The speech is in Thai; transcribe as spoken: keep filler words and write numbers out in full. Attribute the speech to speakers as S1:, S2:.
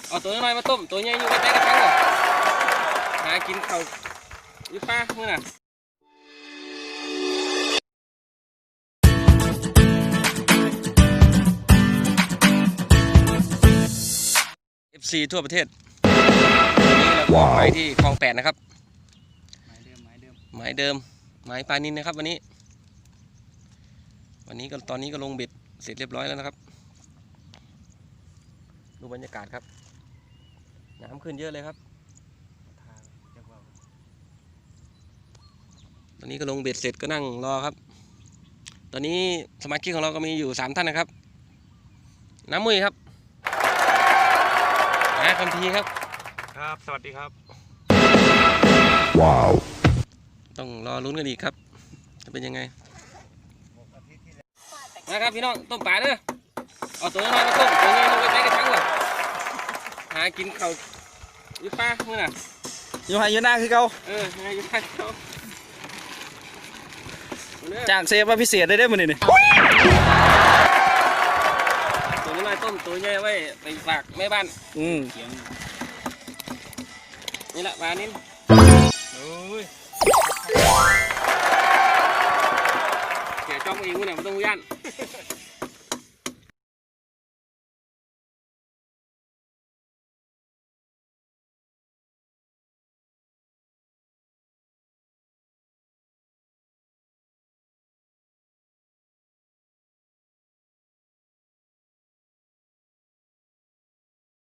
S1: เอาตัวน้อยมาต้มตัวใหญ่อยู่ใกล้ๆกระชังหรอหากินเขาอยู่ป่าเมื่อน่ะ เอฟ ซี ทั่วประเทศนี่เราก็ไปที่คลองแปดนะครับหมายเดิมหมายเดิมหมายเดิมหมายปลานินนะครับวันนี้วันนี้ก็ตอนนี้ก็ลงเบ็ดเสร็จเรียบร้อยแล้วนะครับดูบรรยากาศครับน้ำขึ้นเยอะเลยครับตอนนี้ก็ลงเบ็ดเสร็จก็นั่งรอครับตอนนี้สมาชิกของเราก็มีอยู่สามท่านนะครับน้ำมุ้ยครับนาคัมพีครับ
S2: ครับสวัสดีครับ
S1: ว้าวต้องรอลุ้นกันอีกครับจะเป็นยังไงนะครับพี่น้องต้มปลาเด้อเอาตัวน้อยมาต้มตัวใหญ่อยู่ใกล้ๆกระชังหรอหากินเขาอยู่ป่าเมื่อน่ะ
S3: อยู่ไหอยู่หน้าคือเก่า
S1: เออหาอยู่ป่าเขา
S3: จากเซฟว่าพิเศษได้ได้หมดนี่
S1: ตัวน้อยต้มตัวใหญ่ไว้ไปฝากแม่บ้าน
S3: อืม
S1: นี่แหละปลานิ่มโอ้ยเกี่ยจ้องเองวะเนี่ยมันต้องย่าน